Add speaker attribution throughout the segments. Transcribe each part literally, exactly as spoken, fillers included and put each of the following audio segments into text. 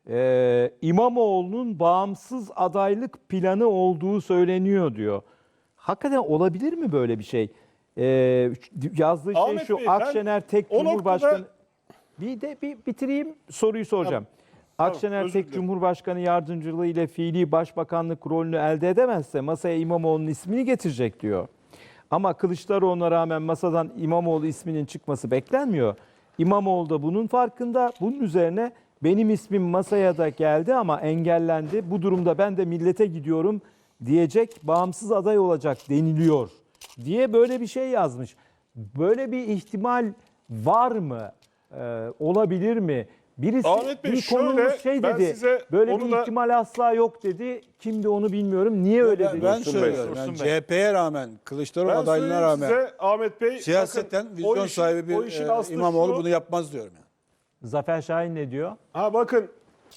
Speaker 1: e, İmamoğlu'nun bağımsız adaylık planı olduğu söyleniyor diyor. Hakikaten olabilir mi böyle bir şey? E, yazdığı şey
Speaker 2: Ahmet
Speaker 1: şu:
Speaker 2: Bey, ben
Speaker 1: Akşener tek
Speaker 2: o
Speaker 1: Cumhurbaşkanı...
Speaker 2: noktada-
Speaker 1: Bir de bir bitireyim, soruyu soracağım.
Speaker 2: Tamam,
Speaker 1: Akşener
Speaker 2: özür
Speaker 1: tek
Speaker 2: dilerim.
Speaker 1: Cumhurbaşkanı yardımcılığı ile fiili başbakanlık rolünü elde edemezse masaya İmamoğlu'nun ismini getirecek diyor. Ama Kılıçdaroğlu'na rağmen masadan İmamoğlu isminin çıkması beklenmiyor. İmamoğlu da bunun farkında. Bunun üzerine benim ismim masaya da geldi ama engellendi. Bu durumda ben de millete gidiyorum diyecek, bağımsız aday olacak deniliyor diye böyle bir şey yazmış. Böyle bir ihtimal var mı? Ee, olabilir mi? Birisi
Speaker 2: Ahmet Bey,
Speaker 1: bir
Speaker 2: şöyle,
Speaker 1: konuğumuz şey
Speaker 2: ben
Speaker 1: dedi.
Speaker 2: size
Speaker 1: Böyle
Speaker 2: onu
Speaker 1: bir
Speaker 2: da-
Speaker 1: ihtimal asla yok dedi. Kimdi onu bilmiyorum. Niye öyle
Speaker 3: Ben,
Speaker 1: dedi?
Speaker 3: ben
Speaker 2: Dursun Bey,
Speaker 3: söylüyorum.
Speaker 2: Dursun
Speaker 3: Yani
Speaker 2: Bey.
Speaker 3: C H P'ye rağmen, Kılıçdaroğlu
Speaker 2: Ben
Speaker 3: adaylığına
Speaker 2: söyleyeyim
Speaker 3: rağmen
Speaker 2: size Ahmet Bey.
Speaker 3: siyaseten
Speaker 2: bakın,
Speaker 3: vizyon
Speaker 2: o işin-
Speaker 3: sahibi
Speaker 2: o
Speaker 3: bir
Speaker 2: işin
Speaker 3: e,
Speaker 2: aslı
Speaker 3: İmamoğlu
Speaker 2: şu-
Speaker 3: bunu yapmaz diyorum yani.
Speaker 1: Zafer Şahin ne diyor?
Speaker 2: Ha bakın,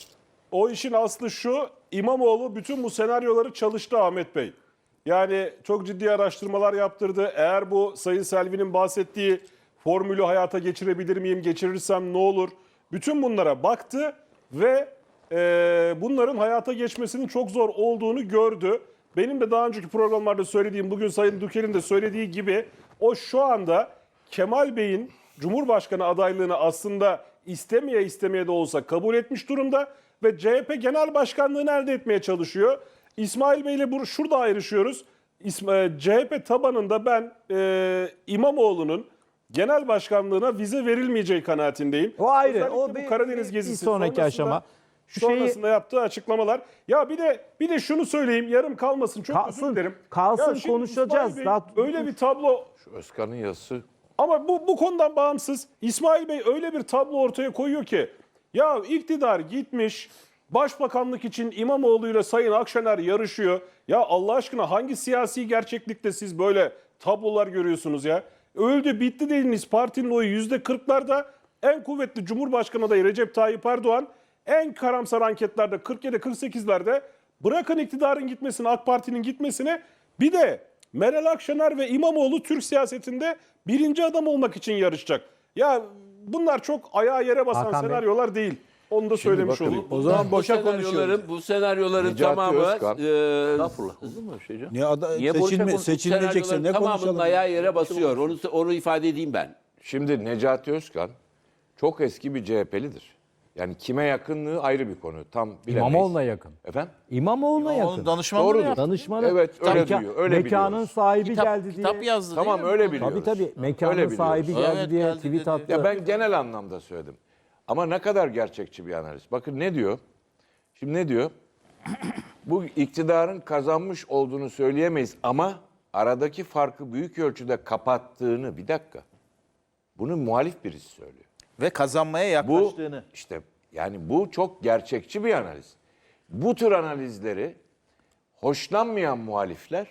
Speaker 2: o işin aslı şu: İmamoğlu bütün bu senaryoları çalıştı Ahmet Bey. Yani çok ciddi araştırmalar yaptırdı. Eğer bu Sayın Selvi'nin bahsettiği formülü hayata geçirebilir miyim, geçirirsem ne olur? Bütün bunlara baktı ve e, bunların hayata geçmesinin çok zor olduğunu gördü. Benim de daha önceki programlarda söylediğim, bugün Sayın Dükel'in de söylediği gibi, o şu anda Kemal Bey'in Cumhurbaşkanı adaylığını aslında istemeye istemeye de olsa kabul etmiş durumda ve C H P Genel Başkanlığı'nı elde etmeye çalışıyor. İsmail Bey ile şurada ayrışıyoruz. İsm- C H P tabanında ben e, İmamoğlu'nun genel başkanlığına vize verilmeyeceği kanaatindeyim.
Speaker 1: O ayrı.
Speaker 2: Özellikle
Speaker 1: O
Speaker 2: bu
Speaker 1: bir-
Speaker 2: Karadeniz
Speaker 1: bir
Speaker 2: gezisi
Speaker 1: sonraki
Speaker 2: sonrasında-
Speaker 1: aşama. Şu şeyi-
Speaker 2: sonrasında yaptığı açıklamalar. Ya bir de bir de şunu söyleyeyim, yarım kalmasın, çok
Speaker 1: Kalsın,
Speaker 2: özür dilerim.
Speaker 1: kalsın,
Speaker 2: Ya şimdi
Speaker 1: konuşacağız.
Speaker 2: İsmail Bey
Speaker 1: Daha-
Speaker 2: öyle bir tablo.
Speaker 4: Özkan'ın yazısı.
Speaker 2: Ama bu, bu konudan bağımsız İsmail Bey öyle bir tablo ortaya koyuyor ki, ya iktidar gitmiş, başbakanlık için İmamoğlu ile Sayın Akşener yarışıyor. Ya Allah aşkına, hangi siyasi gerçeklikte siz böyle tablolar görüyorsunuz ya? Öldü bitti dediniz partinin oyu yüzde kırklarda, en kuvvetli Cumhurbaşkanı adayı Recep Tayyip Erdoğan en karamsar anketlerde kırk yedi kırk sekizlerde, bırakın iktidarın gitmesini, AK Parti'nin gitmesini, bir de Meral Akşener ve İmamoğlu Türk siyasetinde birinci adam olmak için yarışacak. Ya bunlar çok ayağa yere basan
Speaker 1: Hakan Bey.
Speaker 2: senaryolar değil. Onu da söylemiş
Speaker 4: bakın,
Speaker 2: olayım.
Speaker 3: O zaman
Speaker 5: Bu
Speaker 3: boşa
Speaker 5: senaryoların,
Speaker 3: konuşuyoruz.
Speaker 5: bu senaryoların
Speaker 4: Necati
Speaker 5: tamamı
Speaker 4: Özkan.
Speaker 5: e,
Speaker 4: Olur mu şey canım?
Speaker 3: Niye ada,
Speaker 5: niye boşa
Speaker 3: seçilme,
Speaker 5: konu-
Speaker 3: seçilmeyecekse
Speaker 5: senaryoların
Speaker 3: ne
Speaker 5: tamamının
Speaker 3: konuşalım?
Speaker 5: ayağı yere basıyor. Onu onu ifade edeyim ben.
Speaker 4: Şimdi Necati Özkan çok eski bir C H P'lidir. Yani kime yakınlığı ayrı bir konu. Tam bilemeyiz.
Speaker 1: İmamoğlu'na yakın.
Speaker 4: Efendim?
Speaker 1: İmamoğlu'na yakın.
Speaker 6: Onun danışmanlığı
Speaker 4: Doğrudur.
Speaker 6: yaptı.
Speaker 1: Danışmanı.
Speaker 4: Evet, öyle
Speaker 1: Meka-
Speaker 4: duyuyor, öyle
Speaker 1: Mekanın
Speaker 4: biliyoruz.
Speaker 1: sahibi
Speaker 6: Kitap,
Speaker 1: geldi diye.
Speaker 6: kitap yazdı
Speaker 4: Tamam,
Speaker 6: değil mi?
Speaker 4: öyle
Speaker 6: Tabii,
Speaker 4: biliyoruz.
Speaker 1: Tabii tabii. Mekanın
Speaker 4: Öyle biliyoruz.
Speaker 1: sahibi geldi
Speaker 6: Evet,
Speaker 1: diye
Speaker 6: geldi
Speaker 1: tweet
Speaker 6: dedi.
Speaker 1: attı.
Speaker 4: Ya ben genel anlamda söyledim. Ama ne kadar gerçekçi bir analiz. Bakın ne diyor? Şimdi ne diyor? Bu iktidarın kazanmış olduğunu söyleyemeyiz ama aradaki farkı büyük ölçüde kapattığını, bir dakika. Bunu muhalif birisi söylüyor.
Speaker 6: Ve kazanmaya
Speaker 4: Bu
Speaker 6: yaklaştığını.
Speaker 4: işte yani bu çok gerçekçi bir analiz. Bu tür analizleri hoşlanmayan muhalifler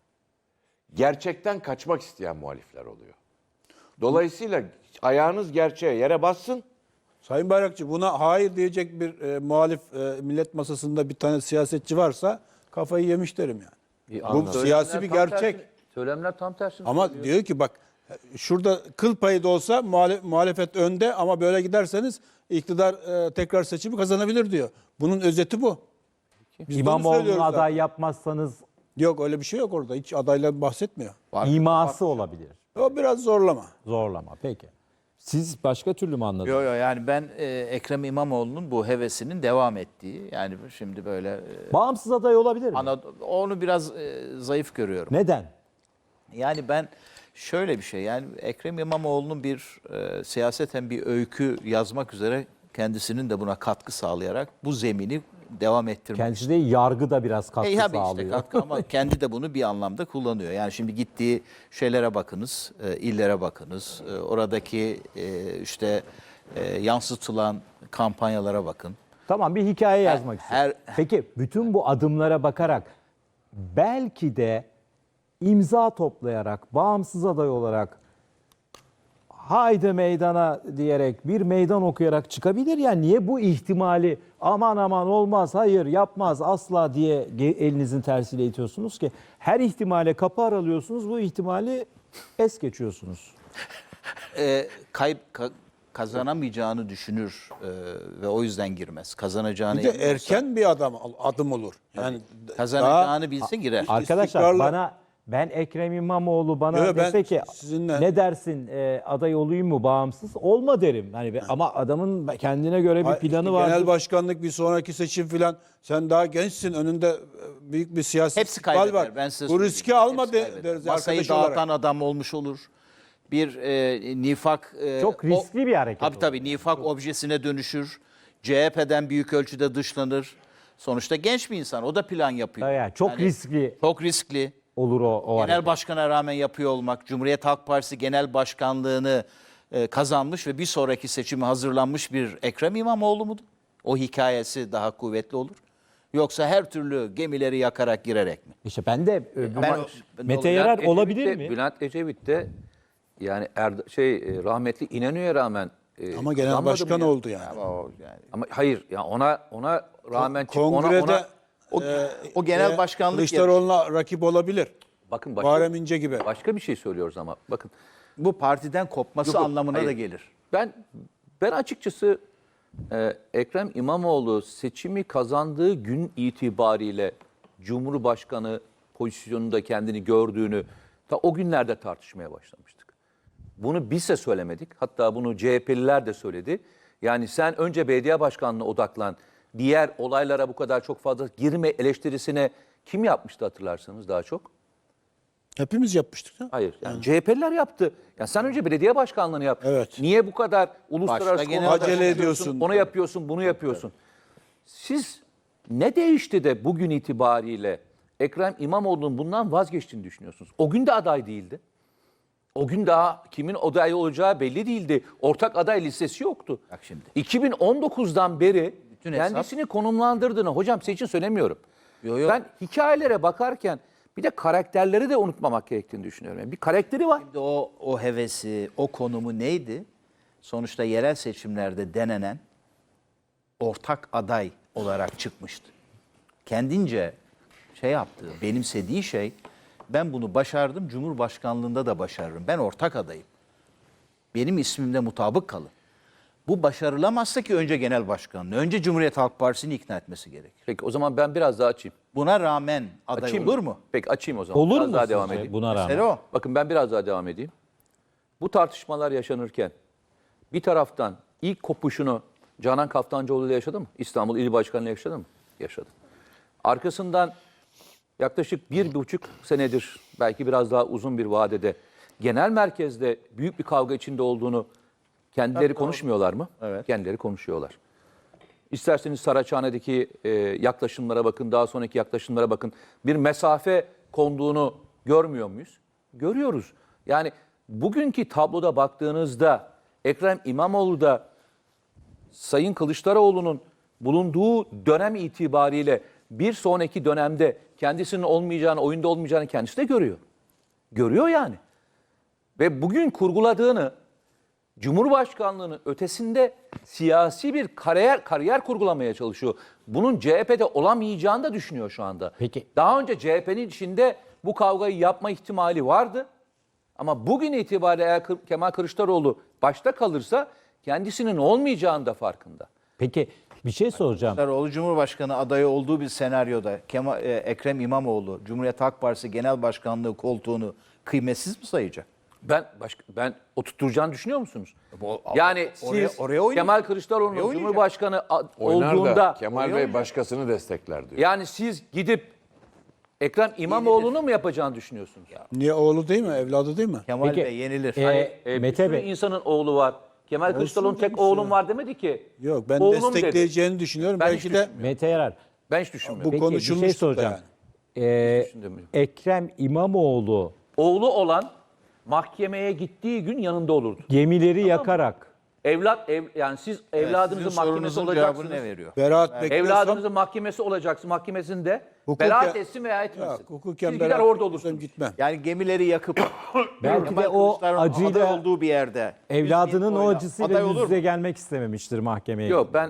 Speaker 4: gerçekten kaçmak isteyen muhalifler oluyor. Dolayısıyla ayağınız gerçeğe yere bassın.
Speaker 3: Sayın Bayrakçı, buna hayır diyecek bir e, muhalif e, millet masasında bir tane siyasetçi varsa kafayı yemiş derim yani. Bu
Speaker 4: anladım.
Speaker 3: siyasi bir gerçek.
Speaker 7: Söylemler tam tersini
Speaker 3: Ama
Speaker 7: söylüyor.
Speaker 3: diyor ki bak, şurada kıl payı da olsa muhalef, muhalefet önde ama böyle giderseniz iktidar e, tekrar seçimi kazanabilir diyor. Bunun özeti bu. Biz de onu
Speaker 1: İmamoğlu'nu
Speaker 3: söylüyoruz
Speaker 1: aday
Speaker 3: zaten.
Speaker 1: yapmazsanız
Speaker 3: Yok, öyle bir şey yok orada. Hiç adayla bahsetmiyor.
Speaker 1: iması olabilir.
Speaker 3: O biraz zorlama.
Speaker 1: Zorlama. Peki. Siz başka türlü mü anladınız?
Speaker 6: Yo yo yani ben e, Ekrem İmamoğlu'nun bu hevesinin devam ettiği, yani şimdi böyle e,
Speaker 1: Bağımsız aday olabilir mi?
Speaker 6: ana, onu biraz e, zayıf görüyorum.
Speaker 1: Neden?
Speaker 6: Yani ben şöyle bir şey, yani Ekrem İmamoğlu'nun bir e, siyaseten bir öykü yazmak üzere kendisinin de buna katkı sağlayarak bu zemini devam ettirmek.
Speaker 1: Kendisi de yargı da biraz katkı
Speaker 6: E, tabii işte
Speaker 1: sağlıyor.
Speaker 6: katkı ama kendi de bunu bir anlamda kullanıyor. Yani şimdi gittiği şeylere bakınız, e, illere bakınız, e, oradaki e, işte e, yansıtılan kampanyalara bakın.
Speaker 1: Tamam, bir hikaye yazmak
Speaker 6: her-
Speaker 1: istiyorum. Peki bütün bu adımlara bakarak belki de imza toplayarak, bağımsız aday olarak haydi meydana diyerek bir meydan okuyarak çıkabilir ya. Niye bu ihtimali aman aman olmaz, hayır yapmaz asla diye ge- elinizin tersiyle itiyorsunuz ki? Her ihtimale kapı aralıyorsunuz, bu ihtimali es geçiyorsunuz.
Speaker 6: E, kay- ka- kazanamayacağını düşünür e, ve o yüzden girmez. Kazanacağını
Speaker 3: Bir de
Speaker 6: emin olsa-
Speaker 3: erken bir adam adım olur. Yani
Speaker 6: kazanacağını bilse girer.
Speaker 1: Arkadaşlar
Speaker 3: İstikrarlı.
Speaker 1: bana ben Ekrem İmamoğlu bana
Speaker 3: Yo, ben
Speaker 1: dese ki
Speaker 3: sizinle-
Speaker 1: ne dersin e, aday olayım mı bağımsız olma derim. Hani be- ama adamın kendine göre bir
Speaker 3: Hayır,
Speaker 1: planı
Speaker 3: işte
Speaker 1: var.
Speaker 3: genel başkanlık bir sonraki seçim filan. Sen daha gençsin. Önünde e, büyük bir siyasi
Speaker 6: Hepsi
Speaker 3: istikbal
Speaker 6: kaybeder.
Speaker 3: var.
Speaker 6: Ben size
Speaker 3: Bu
Speaker 6: söyleyeyim.
Speaker 3: riski alma
Speaker 6: Hepsi
Speaker 3: de,
Speaker 6: kaybeder.
Speaker 3: deriz
Speaker 6: Masayı
Speaker 3: arkadaş
Speaker 6: dağıtan
Speaker 3: olarak.
Speaker 6: adam olmuş olur. Bir e, nifak... e,
Speaker 1: Çok riskli bir hareket
Speaker 6: Tabii
Speaker 1: olur.
Speaker 6: tabii nifak objesine dönüşür. C H P'den büyük ölçüde dışlanır. Sonuçta genç bir insan. O da plan yapıyor.
Speaker 1: Yani çok riskli
Speaker 6: Çok riskli.
Speaker 1: olur o, o
Speaker 6: Genel
Speaker 1: hareket.
Speaker 6: başkana rağmen yapıyor olmak, Cumhuriyet Halk Partisi genel başkanlığını e, kazanmış ve bir sonraki seçime hazırlanmış bir Ekrem İmamoğlu mu? O hikayesi daha kuvvetli olur. Yoksa her türlü gemileri yakarak girerek mi?
Speaker 1: İşte ben de e,
Speaker 6: Ben-
Speaker 1: Mete
Speaker 6: Bülent
Speaker 1: Yarar
Speaker 7: Ecevit
Speaker 1: olabilir
Speaker 7: de-
Speaker 1: mi?
Speaker 7: Bülent Ecevit de yani Erdo- şey e, rahmetli İnönü'ye rağmen e,
Speaker 3: Ama genel
Speaker 7: kazanmadı
Speaker 3: başkan
Speaker 7: mı ya?
Speaker 3: oldu yani.
Speaker 6: Ama o, yani,
Speaker 7: Ama hayır ya ona ona rağmen çık- ona,
Speaker 3: Kongrede
Speaker 7: ona
Speaker 6: o,
Speaker 3: e,
Speaker 6: o genel
Speaker 3: e,
Speaker 6: başkanlık yarışı.
Speaker 3: Kılıçdaroğlu'na rakip olabilir.
Speaker 7: bakın başka,
Speaker 3: Muharrem İnce gibi.
Speaker 7: başka bir şey söylüyoruz ama bakın
Speaker 6: Bu partiden kopması
Speaker 7: Yok, yok,
Speaker 6: anlamına
Speaker 7: hayır.
Speaker 6: da gelir.
Speaker 7: ben ben açıkçası e, Ekrem İmamoğlu seçimi kazandığı gün itibariyle Cumhurbaşkanı pozisyonunda kendini gördüğünü ta o günlerde tartışmaya başlamıştık. Bunu biz de söylemedik. Hatta bunu C H P'liler de söyledi. Yani sen önce belediye başkanlığına odaklan. Diğer olaylara bu kadar çok fazla girme eleştirisine kim yapmıştı hatırlarsanız daha çok?
Speaker 3: Hepimiz yapmıştık. Ya.
Speaker 7: Hayır. Yani C H P'liler yaptı. Ya sen önce belediye başkanlığını yap.
Speaker 3: Evet.
Speaker 7: Niye bu kadar uluslararası
Speaker 6: Başta genel
Speaker 7: konularda
Speaker 3: acele
Speaker 7: konuşuyorsun,
Speaker 3: ediyorsun.
Speaker 7: Onu yapıyorsun, bunu yapıyorsun. Siz ne değişti de bugün itibariyle Ekrem İmamoğlu'nun bundan vazgeçtiğini düşünüyorsunuz? O gün de aday değildi. O gün daha kimin aday olacağı belli değildi. Ortak aday listesi yoktu.
Speaker 6: Bak şimdi.
Speaker 7: iki bin on dokuzdan beri
Speaker 6: Bütün hesap-
Speaker 7: kendisini konumlandırdığını, hocam sizin için söylemiyorum.
Speaker 6: Yo, yo.
Speaker 7: Ben hikayelere bakarken bir de karakterleri de unutmamak gerektiğini düşünüyorum. Yani bir karakteri var.
Speaker 6: Şimdi o, o hevesi, o konumu neydi? Sonuçta yerel seçimlerde denenen ortak aday olarak çıkmıştı. Kendince şey yaptığı, benimsediği şey, ben bunu başardım, Cumhurbaşkanlığında da başarırım. Ben ortak adayım. Benim ismimde mutabık kalın. Bu başarılamazsa ki önce genel başkanlığı, önce Cumhuriyet Halk Partisi'ni ikna etmesi gerekir.
Speaker 7: Peki o zaman ben biraz daha açayım.
Speaker 6: Buna rağmen aday
Speaker 7: Açayım
Speaker 6: olur
Speaker 7: mı?
Speaker 6: mu?
Speaker 7: Peki açayım o zaman.
Speaker 1: Olur
Speaker 7: biraz
Speaker 1: mu
Speaker 7: daha
Speaker 1: sizce
Speaker 7: devam edeyim.
Speaker 1: buna rağmen?
Speaker 6: Mesele o.
Speaker 7: Bakın ben biraz daha devam edeyim. Bu tartışmalar yaşanırken bir taraftan ilk kopuşunu Canan Kaftancıoğlu ile yaşadı mı? İstanbul İl Başkanı ile yaşadı mı? Yaşadı. Arkasından yaklaşık bir buçuk senedir, belki biraz daha uzun bir vadede genel merkezde büyük bir kavga içinde olduğunu kendileri konuşmuyorlar mı?
Speaker 6: Evet.
Speaker 7: Kendileri konuşuyorlar. İsterseniz Saraçhane'deki e, yaklaşımlara bakın, daha sonraki yaklaşımlara bakın. Bir mesafe konduğunu görmüyor muyuz? Görüyoruz. Yani bugünkü tabloda baktığınızda Ekrem İmamoğlu da Sayın Kılıçdaroğlu'nun bulunduğu dönem itibariyle bir sonraki dönemde kendisinin olmayacağını, oyunda olmayacağını kendisi de görüyor. Görüyor yani. Ve bugün kurguladığını Cumhurbaşkanlığının ötesinde siyasi bir kariyer kariyer kurgulamaya çalışıyor. Bunun C H P'de olamayacağını da düşünüyor şu anda.
Speaker 1: Peki.
Speaker 7: Daha önce C H P'nin içinde bu kavgayı yapma ihtimali vardı. Ama bugün itibariyle eğer Kı- Kemal Kılıçdaroğlu başta kalırsa kendisinin olmayacağını da farkında.
Speaker 1: Peki bir şey soracağım.
Speaker 6: Kılıçdaroğlu Cumhurbaşkanı adayı olduğu bir senaryoda Kemal, e, Ekrem İmamoğlu Cumhuriyet Halk Partisi Genel Başkanlığı koltuğunu kıymetsiz mi sayacak?
Speaker 7: Ben başka, ben oturtturacağını düşünüyor musunuz?
Speaker 6: Bu-
Speaker 7: Yani
Speaker 6: oraya-
Speaker 7: siz
Speaker 6: oraya oynayacak.
Speaker 7: Kemal Kılıçdaroğlu'nun
Speaker 6: Oraya oynayacak.
Speaker 7: Cumhurbaşkanı a-
Speaker 4: Oynar
Speaker 7: olduğunda
Speaker 4: da Kemal Bey başkasını destekler diyor.
Speaker 7: yani siz gidip Ekrem İmamoğlu'nu mu yapacağını düşünüyorsunuz?
Speaker 3: Niye oğlu değil mi? Evladı değil mi?
Speaker 6: Kemal
Speaker 1: Peki,
Speaker 6: Bey yenilir.
Speaker 1: e,
Speaker 7: Hani, e, bir
Speaker 1: Mete
Speaker 7: sürü
Speaker 1: Bey.
Speaker 7: insanın oğlu var. Kemal Kılıçdaroğlu'nun tek
Speaker 3: demiş
Speaker 7: oğlum
Speaker 3: ya.
Speaker 7: var demedi ki.
Speaker 3: Yok ben
Speaker 7: Oğlum dedi.
Speaker 3: destekleyeceğini düşünüyorum.
Speaker 7: Ben hiç
Speaker 3: Belki de
Speaker 7: düşünmüyorum.
Speaker 1: Mete Yarar.
Speaker 7: Ben hiç düşünmüyorum.
Speaker 3: bu
Speaker 1: Peki bir
Speaker 3: konuşulmuştu
Speaker 1: şey
Speaker 3: da
Speaker 1: soracağım.
Speaker 3: yani.
Speaker 1: Ee,
Speaker 7: düşünmüyorum.
Speaker 1: Ekrem İmamoğlu
Speaker 7: Oğlu olan mahkemeye gittiği gün yanında olurdu.
Speaker 1: gemileri yakarak
Speaker 7: Evlat ev, yani siz evladınızın
Speaker 6: Sizin
Speaker 7: mahkemesi
Speaker 6: sorunuzun cevabını
Speaker 7: olacaksınız.
Speaker 6: ne veriyor?
Speaker 3: Beraat bekliyorsam
Speaker 7: Evladınızın mahkemesi olacaksın. Mahkemesinde
Speaker 3: Hukuken-
Speaker 7: beraat etsin veya etmesin.
Speaker 3: yok, hukuken
Speaker 7: Siz gider
Speaker 3: beraat
Speaker 7: orada
Speaker 3: bekliyorsam
Speaker 7: olursunuz.
Speaker 3: gitmem.
Speaker 6: Yani gemileri yakıp
Speaker 1: belki
Speaker 6: Kemal
Speaker 1: de o
Speaker 6: Kılıçdaroğlu'nun aday
Speaker 1: acıyla
Speaker 6: olduğu bir yerde
Speaker 1: evladının
Speaker 6: yüz bin
Speaker 1: o
Speaker 6: oyla
Speaker 1: acısıyla
Speaker 6: aday
Speaker 1: yüz
Speaker 6: olur mu?
Speaker 1: yüze gelmek istememiştir mahkemeye.
Speaker 7: Yok ben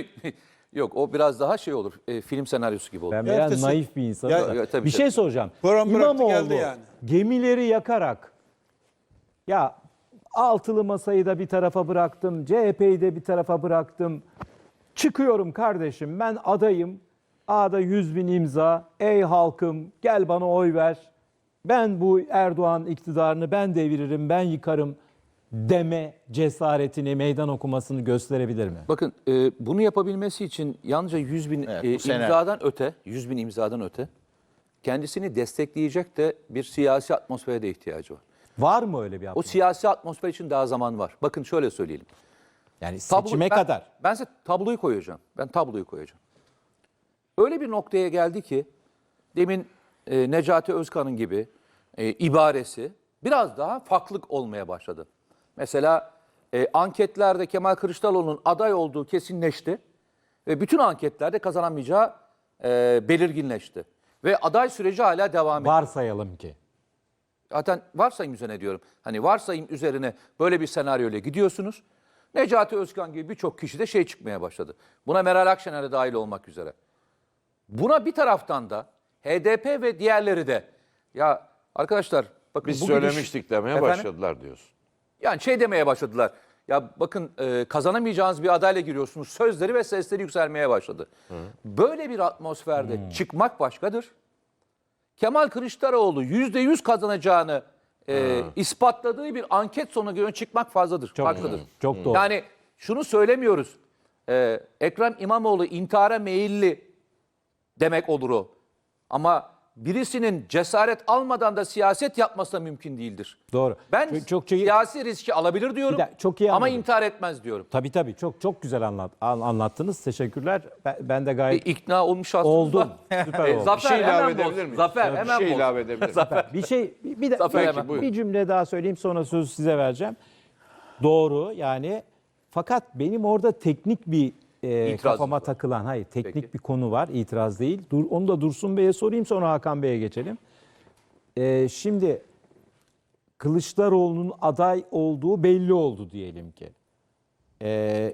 Speaker 7: yok o biraz daha şey olur. e, film senaryosu gibi olur.
Speaker 1: Ben biraz
Speaker 3: Ertesi-
Speaker 1: naif bir insanım.
Speaker 3: Ya-
Speaker 1: da.
Speaker 7: Ya, tabii,
Speaker 1: bir
Speaker 7: tabii.
Speaker 1: şey soracağım.
Speaker 3: Program bıraktı
Speaker 1: İmamoğlu
Speaker 3: geldi yani.
Speaker 1: gemileri yakarak ya altılı masayı da bir tarafa bıraktım, C H P'yi de bir tarafa bıraktım. Çıkıyorum kardeşim, ben adayım. A'da yüz bin imza. Ey halkım, gel bana oy ver. Ben bu Erdoğan iktidarını ben deviririm, ben yıkarım deme cesaretini, meydan okumasını gösterebilir mi?
Speaker 7: Bakın e, bunu yapabilmesi için yalnızca yüz bin
Speaker 6: Evet,
Speaker 7: e,
Speaker 6: bu sene.
Speaker 7: imzadan öte, yüz bin imzadan öte kendisini destekleyecek de bir siyasi atmosfere de ihtiyacı var.
Speaker 1: Var mı öyle bir
Speaker 7: O
Speaker 1: atmosfer?
Speaker 7: siyasi atmosfer için daha zaman var. Bakın şöyle söyleyelim.
Speaker 1: Yani
Speaker 7: Tablo-
Speaker 1: seçime
Speaker 7: ben-
Speaker 1: kadar.
Speaker 7: Ben size tabloyu koyacağım. Ben tabloyu koyacağım. Öyle bir noktaya geldi ki demin e, Necati Özkan'ın gibi e, ibaresi biraz daha farklılık olmaya başladı. Mesela e, anketlerde Kemal Kılıçdaroğlu'nun aday olduğu kesinleşti ve bütün anketlerde kazanamayacağı e, belirginleşti. Ve aday süreci hala devam ediyor.
Speaker 1: Varsayalım ki.
Speaker 7: Zaten varsayım üzerine diyorum. Hani varsayım üzerine böyle bir senaryoyla gidiyorsunuz. Necati Özkan gibi birçok kişi de şey çıkmaya başladı. Buna Meral Akşener de dahil olmak üzere. Buna bir taraftan da H D P ve diğerleri de ya arkadaşlar bakın
Speaker 4: Biz
Speaker 7: bu gidiş-
Speaker 4: söylemiştik demeye
Speaker 7: Efendim?
Speaker 4: başladılar diyorsun.
Speaker 7: Yani şey demeye başladılar. Ya bakın e, kazanamayacağınız bir adayla giriyorsunuz. Sözleri ve sesleri yükselmeye başladı. Böyle bir atmosferde çıkmak başkadır. Kemal Kılıçdaroğlu yüzde yüz kazanacağını e, ispatladığı bir anket sonuna göre çıkmak fazladır.
Speaker 1: Çok
Speaker 7: farklıdır.
Speaker 1: doğru, çok doğru.
Speaker 7: Yani şunu söylemiyoruz. E, Ekrem İmamoğlu intihara meyilli demek olur o. Ama birisinin cesaret almadan da siyaset yapması da mümkün değildir.
Speaker 1: Doğru.
Speaker 7: Ben
Speaker 1: Çok- çok iyi-
Speaker 7: siyasi riski alabilir diyorum
Speaker 1: Bir de çok iyi
Speaker 7: ama
Speaker 1: anladım.
Speaker 7: intihar etmez diyorum.
Speaker 1: Tabii tabii çok çok güzel anlat, an- anlattınız. Teşekkürler. Ben, ben de
Speaker 7: E,
Speaker 1: gayet
Speaker 7: ikna olmuş aslında.
Speaker 1: oldum. Süper
Speaker 7: E,
Speaker 1: oldu.
Speaker 7: Zafer
Speaker 4: Bir şey ilave
Speaker 7: hemen
Speaker 4: edebilir
Speaker 7: boz.
Speaker 4: miyim?
Speaker 7: Zafer
Speaker 4: Bir
Speaker 7: hemen
Speaker 4: şey
Speaker 7: boz.
Speaker 4: ilave edebilir miyim?
Speaker 7: Zafer.
Speaker 1: Bir şey bir, bir, de-
Speaker 7: Zafer
Speaker 1: bir-
Speaker 7: hemen.
Speaker 1: bir
Speaker 4: buyurun.
Speaker 1: cümle daha söyleyeyim sonra sözü size vereceğim. Doğru yani fakat benim orada teknik bir e,
Speaker 7: İtirazınız
Speaker 1: kafama
Speaker 7: var.
Speaker 1: takılan hayır teknik
Speaker 7: Peki.
Speaker 1: bir konu var, itiraz değil. Dur, onu da Dursun Bey'e sorayım sonra Hakan Bey'e geçelim. E, şimdi Kılıçdaroğlu'nun aday olduğu belli oldu diyelim ki. E,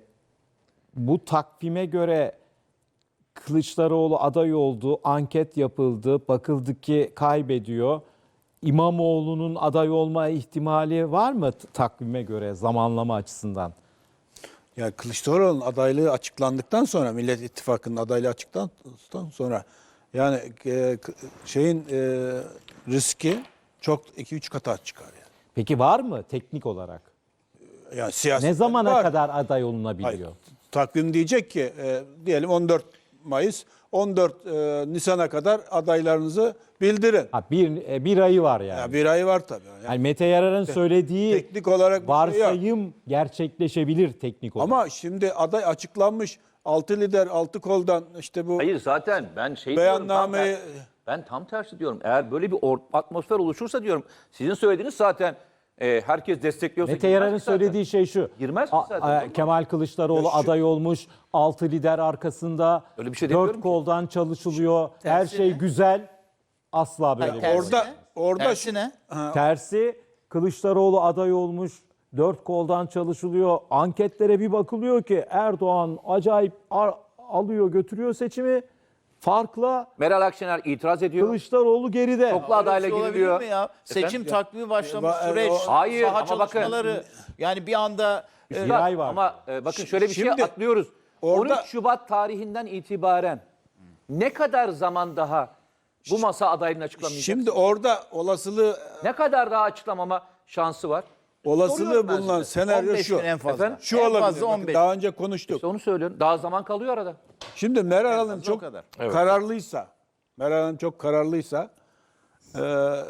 Speaker 1: bu takvime göre Kılıçdaroğlu aday oldu, anket yapıldı, bakıldı ki kaybediyor. İmamoğlu'nun aday olma ihtimali var mı t- takvime göre zamanlama açısından?
Speaker 3: Yani Kılıçdaroğlu'nun adaylığı açıklandıktan sonra, Millet İttifakı'nın adaylığı açıklandıktan sonra yani e, k- şeyin e, riski çok iki üç kata çıkar yani.
Speaker 1: Peki var mı teknik olarak?
Speaker 3: Yani siyasi
Speaker 1: Ne zamana
Speaker 3: var.
Speaker 1: kadar aday olunabiliyor?
Speaker 3: Hayır, takvim diyecek ki e, diyelim on dört Mayıs, on dört e, Nisan'a kadar adaylarınızı bildirin.
Speaker 1: Ha, bir, e, bir ayı var yani.
Speaker 3: Ya bir ay var tabii. Yani
Speaker 1: Yani Mete Yarar'ın söylediği
Speaker 3: teknik olarak bir şey yok.
Speaker 1: varsayım gerçekleşebilir teknik olarak.
Speaker 3: Ama şimdi aday açıklanmış. Altı lider, altı koldan işte bu
Speaker 7: Hayır zaten ben şey diyorum. tam
Speaker 3: beyannameyi
Speaker 7: ter- Ben tam tersi diyorum. Eğer böyle bir or- atmosfer oluşursa diyorum. Sizin söylediğiniz zaten e, herkes destekliyorsa.
Speaker 1: Mete
Speaker 7: girmez
Speaker 1: Yarar'ın
Speaker 7: ki zaten.
Speaker 1: söylediği şey şu.
Speaker 7: Girmez mi
Speaker 1: A-
Speaker 7: zaten?
Speaker 1: a-
Speaker 7: Olmaz.
Speaker 1: Kemal Kılıçdaroğlu
Speaker 3: Ya şu-
Speaker 1: aday olmuş. Altı lider arkasında.
Speaker 7: Öyle bir şey demiyorum
Speaker 1: Dört
Speaker 7: ki.
Speaker 1: koldan çalışılıyor. Her
Speaker 6: Tersi
Speaker 1: şey
Speaker 6: ne?
Speaker 1: güzel. Asla böyle bir şey.
Speaker 6: Tersi
Speaker 3: orada
Speaker 6: ne?
Speaker 3: orada
Speaker 6: Tersi
Speaker 3: şu-
Speaker 6: ne?
Speaker 1: Tersi Kılıçdaroğlu aday olmuş. Dört koldan çalışılıyor. Anketlere bir bakılıyor ki Erdoğan acayip ar- alıyor götürüyor seçimi. Farkla
Speaker 7: Meral Akşener itiraz ediyor.
Speaker 1: Kılıçdaroğlu geride.
Speaker 7: Çoklu adayla
Speaker 6: Öyle bir şey
Speaker 7: giriliyor.
Speaker 6: olabilir mi ya? Seçim
Speaker 7: Efendim?
Speaker 6: takvimi başlamış
Speaker 3: Ya,
Speaker 6: süreç,
Speaker 3: o-
Speaker 7: Hayır,
Speaker 6: saha
Speaker 7: ama bakın-
Speaker 6: çalışmaları. Yani bir anda e,
Speaker 1: Bir ay var.
Speaker 7: Ama e, bakın şöyle bir
Speaker 3: Şimdi
Speaker 7: şey atlıyoruz.
Speaker 3: orada-
Speaker 7: on üç Şubat tarihinden itibaren ne kadar zaman daha bu masa adaylığını açıklamayacak?
Speaker 3: şimdi orada olasılığı
Speaker 7: Ne kadar daha açıklamama şansı var?
Speaker 3: olasılığı
Speaker 7: Soruyorum ben
Speaker 3: bulunan
Speaker 7: size.
Speaker 3: senaryo
Speaker 6: on beş
Speaker 3: şu.
Speaker 6: gün en fazla.
Speaker 7: Efendim?
Speaker 3: Şu
Speaker 6: en
Speaker 3: olabilir.
Speaker 6: fazla
Speaker 3: Bakın
Speaker 6: on beş.
Speaker 3: daha önce konuştuk.
Speaker 7: İşte onu söylüyorum. Daha zaman kalıyor arada.
Speaker 3: Şimdi Meral Hanım
Speaker 6: fazla o
Speaker 3: çok
Speaker 6: kadar.
Speaker 3: kararlıysa, Meral Hanım çok kararlıysa, e,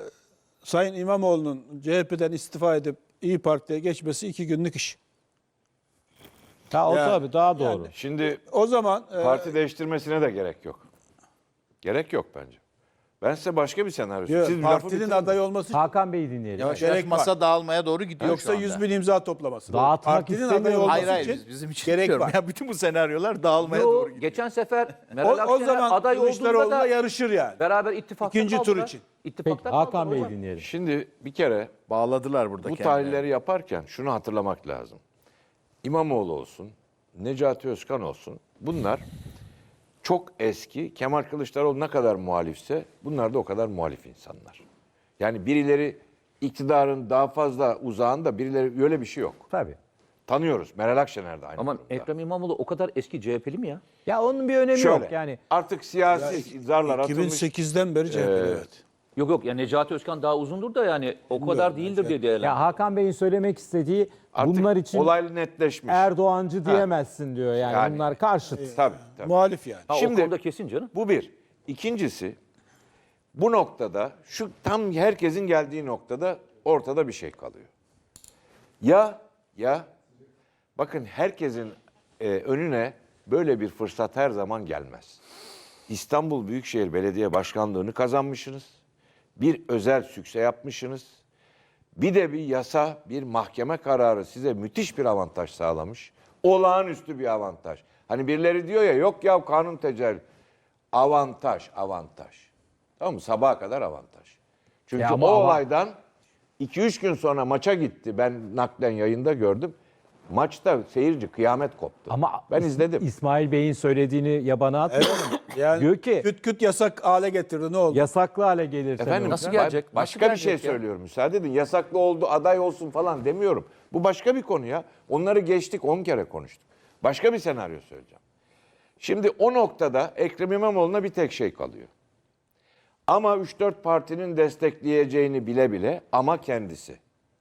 Speaker 3: Sayın İmamoğlu'nun C H P'den istifa edip İyi Parti'ye geçmesi iki günlük iş.
Speaker 1: Ha, o
Speaker 3: Ya,
Speaker 1: tabii daha doğru.
Speaker 4: Şimdi
Speaker 3: O zaman e,
Speaker 4: parti değiştirmesine de gerek yok. Gerek yok bence. Ben size başka bir senaryo
Speaker 3: diyor,
Speaker 4: söyleyeyim. Siz lafı
Speaker 3: partinin
Speaker 4: bitirin.
Speaker 3: aday olması için
Speaker 1: Hakan Bey'i dinleyelim.
Speaker 6: yavaş
Speaker 3: Gerek
Speaker 6: yavaş masa
Speaker 3: var.
Speaker 6: dağılmaya doğru gidiyor
Speaker 3: yoksa
Speaker 6: şu anda.
Speaker 3: yüz bin imza toplaması.
Speaker 1: Dağıtmak
Speaker 3: Partinin aday
Speaker 1: istemiyorum.
Speaker 3: olması
Speaker 6: Hayır hayır
Speaker 3: için
Speaker 6: biz, bizim için
Speaker 3: gerek
Speaker 6: diyorum.
Speaker 3: var.
Speaker 6: Ya bütün bu senaryolar dağılmaya
Speaker 7: Yo,
Speaker 6: doğru gidiyor.
Speaker 7: geçen sefer
Speaker 3: O,
Speaker 7: Meral
Speaker 3: o
Speaker 7: Akşener
Speaker 3: zaman
Speaker 7: aday olduğunda
Speaker 3: Kılıçdaroğlu'na
Speaker 7: da
Speaker 3: yarışır yani.
Speaker 7: beraber ittifakta
Speaker 3: İkinci tur
Speaker 7: kaldılar.
Speaker 3: için.
Speaker 7: İttifakta
Speaker 1: Peki, Hakan
Speaker 7: kaldılar
Speaker 1: Bey'i
Speaker 7: hocam.
Speaker 1: dinleyelim.
Speaker 4: Şimdi bir kere
Speaker 6: Bağladılar burada
Speaker 4: bu
Speaker 6: kendilerini.
Speaker 4: tahlilleri yaparken şunu hatırlamak lazım. İmamoğlu olsun, Necati Özkan olsun. Bunlar çok eski. Kemal Kılıçdaroğlu ne kadar muhalifse bunlar da o kadar muhalif insanlar. Yani birileri iktidarın daha fazla uzağında birileri, öyle bir şey yok.
Speaker 1: Tabii.
Speaker 4: Tanıyoruz. Meral Akşener de aynı
Speaker 7: Ama
Speaker 4: durumda.
Speaker 7: Ekrem İmamoğlu o kadar eski C H P'li mi ya?
Speaker 1: Ya onun bir önemi
Speaker 4: Şöyle,
Speaker 1: yok yani.
Speaker 4: artık siyasi zarlar
Speaker 3: iki bin
Speaker 4: atılmış.
Speaker 3: sekizden beri C H P'li, evet.
Speaker 7: Yok yok ya Necati Özkan daha uzundur da yani o kadar değildir diye
Speaker 1: Ya
Speaker 7: değerlendiriyorum.
Speaker 1: Hakan Bey'in söylemek istediği
Speaker 4: Artık
Speaker 1: bunlar için
Speaker 4: olay netleşmiş.
Speaker 1: Erdoğancı diyemezsin diyor yani.
Speaker 4: Yani.
Speaker 1: Bunlar karşıt.
Speaker 4: Tabii, tabii.
Speaker 3: Muhalif yani.
Speaker 7: Ha,
Speaker 4: Şimdi-
Speaker 7: o konuda kesin canım.
Speaker 4: Bu bir. İkincisi, bu noktada şu tam herkesin geldiği noktada ortada bir şey kalıyor. Ya ya bakın herkesin e, önüne böyle bir fırsat her zaman gelmez. İstanbul Büyükşehir Belediye Başkanlığı'nı kazanmışsınız. Bir özel sükse yapmışsınız. Bir de bir yasa, bir mahkeme kararı size müthiş bir avantaj sağlamış. Olağanüstü bir avantaj. Hani birileri diyor ya yok ya kanun tecelli. Avantaj, avantaj. Tamam mı? Sabaha kadar avantaj. Çünkü
Speaker 1: Ya
Speaker 4: o
Speaker 1: ama- ama-
Speaker 4: olaydan iki üç gün sonra maça gitti. Ben naklen yayında gördüm. Maçta seyirci kıyamet koptu.
Speaker 1: Ama
Speaker 4: ben
Speaker 1: İs-
Speaker 4: izledim.
Speaker 1: İsmail Bey'in söylediğini yabana atmayalım.
Speaker 3: Yani
Speaker 1: Diyor ki
Speaker 3: küt küt yasak hale getirdi, ne oldu?
Speaker 1: yasaklı hale gelirse
Speaker 4: Efendim
Speaker 1: ne
Speaker 7: Nasıl
Speaker 1: olacak?
Speaker 7: gelecek?
Speaker 4: ba- Başka
Speaker 7: Nasıl
Speaker 4: bir şey
Speaker 7: gelecek ya?
Speaker 4: söylüyorum. Müsaade edin. Yasaklı oldu, aday olsun falan demiyorum. Bu başka bir konu ya. Onları geçtik, on kere konuştuk. Başka bir senaryo söyleyeceğim. Şimdi o noktada Ekrem İmamoğlu'na bir tek şey kalıyor. Ama üç dört partinin destekleyeceğini bile bile ama kendisi.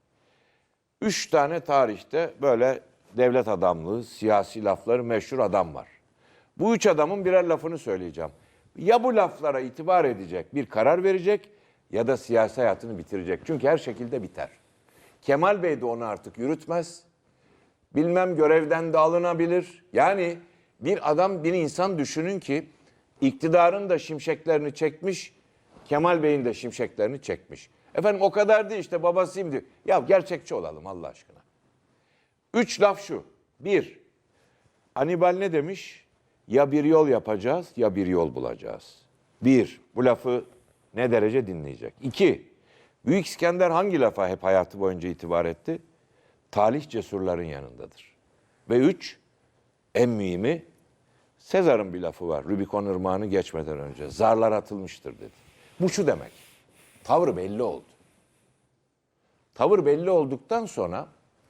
Speaker 4: Üç tane tarihte böyle devlet adamlığı, siyasi lafları meşhur adam var. Bu üç adamın birer lafını söyleyeceğim. Ya bu laflara itibar edecek, bir karar verecek ya da siyasi hayatını bitirecek. Çünkü her şekilde biter. Kemal Bey de onu artık yürütmez. Bilmem görevden de alınabilir. Yani bir adam, bir insan düşünün ki iktidarın da şimşeklerini çekmiş, Kemal Bey'in de şimşeklerini çekmiş. Efendim o kadar değil işte babasıyım diyor. Ya gerçekçi olalım Allah aşkına. Üç laf şu. Bir, Hannibal ne demiş? Ya bir yol yapacağız ya bir yol bulacağız. Bir, bu lafı ne derece dinleyecek? İki, Büyük İskender hangi lafa hep hayatı boyunca itibar etti? Talih cesurların yanındadır. Ve üç, en mühimi, Sezar'ın bir lafı var. Rubikon Irmağı'nı geçmeden önce. Zarlar atılmıştır dedi. Bu şu demek. Tavır belli oldu. Tavır belli olduktan sonra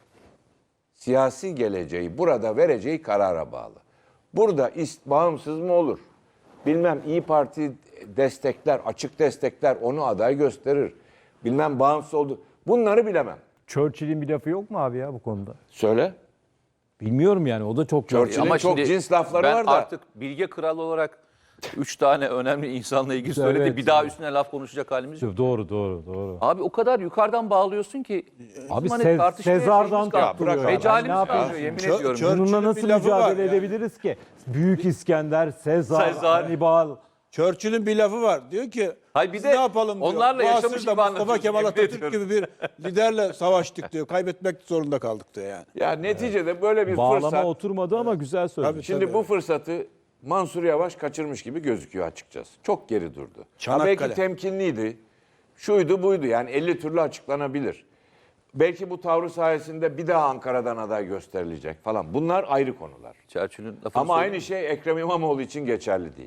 Speaker 4: siyasi geleceği, burada vereceği karara bağlı. Burada ist, bağımsız mı olur? Bilmem İyi Parti destekler, açık destekler, onu aday gösterir. Bilmem bağımsız oldu. Bunları bilemem.
Speaker 1: Churchill'in bir lafı yok mu abi ya bu konuda?
Speaker 4: Söyle.
Speaker 1: Bilmiyorum yani o da çok
Speaker 4: Churchill- Ama çok cins lafları
Speaker 7: ben
Speaker 4: var da.
Speaker 7: artık bilge kral olarak üç tane önemli insanla ilgili söyledi.
Speaker 1: Evet.
Speaker 7: Bir daha üstüne laf konuşacak halimiz yok.
Speaker 1: Doğru doğru doğru.
Speaker 7: Abi o kadar yukarıdan bağlıyorsun ki.
Speaker 1: Abi
Speaker 7: bizim hani
Speaker 1: Se-
Speaker 7: tartışmaya
Speaker 1: Sezar'dan
Speaker 7: şeyimiz kaldı.
Speaker 1: tutturuyor.
Speaker 4: bırak
Speaker 1: yani.
Speaker 7: Mecalimiz
Speaker 1: Ne yapıyorsun?
Speaker 7: kalmıyor yemin
Speaker 3: Chur-
Speaker 7: ediyorum.
Speaker 3: Churchill'in
Speaker 1: Bununla
Speaker 3: bir
Speaker 1: nasıl
Speaker 3: lafı var
Speaker 1: mücadele
Speaker 3: yani.
Speaker 1: edebiliriz ki? Büyük İskender, Sezar,
Speaker 7: Sezar.
Speaker 1: Hannibal.
Speaker 3: Churchill'in bir lafı var. Diyor ki
Speaker 7: Hayır, bir
Speaker 3: biz
Speaker 7: de
Speaker 3: ne yapalım diyor.
Speaker 7: onlarla
Speaker 3: Bu
Speaker 7: yaşamış
Speaker 3: asırda
Speaker 7: gibi
Speaker 3: Mustafa
Speaker 7: anlatıyorsun,
Speaker 3: Kemal
Speaker 7: yemin
Speaker 3: Atatürk
Speaker 7: ediyorum.
Speaker 3: gibi bir liderle savaştık diyor. Kaybetmek zorunda kaldık diyor yani.
Speaker 4: Ya neticede böyle bir
Speaker 1: Bağlama
Speaker 4: fırsat.
Speaker 1: oturmadı ama güzel söylemiş.
Speaker 3: Tabii.
Speaker 4: Şimdi bu fırsatı Mansur Yavaş kaçırmış gibi gözüküyor açıkçası. Çok geri durdu. Ha
Speaker 3: Çanakkale.
Speaker 4: belki temkinliydi. Şuydu buydu yani elli türlü açıklanabilir. Belki bu tavrı sayesinde bir daha Ankara'dan aday gösterilecek falan. Bunlar ayrı konular.
Speaker 7: Churchill'in lafını
Speaker 4: Ama
Speaker 7: söyleyeyim
Speaker 4: aynı şey Ekrem İmamoğlu için geçerli değil.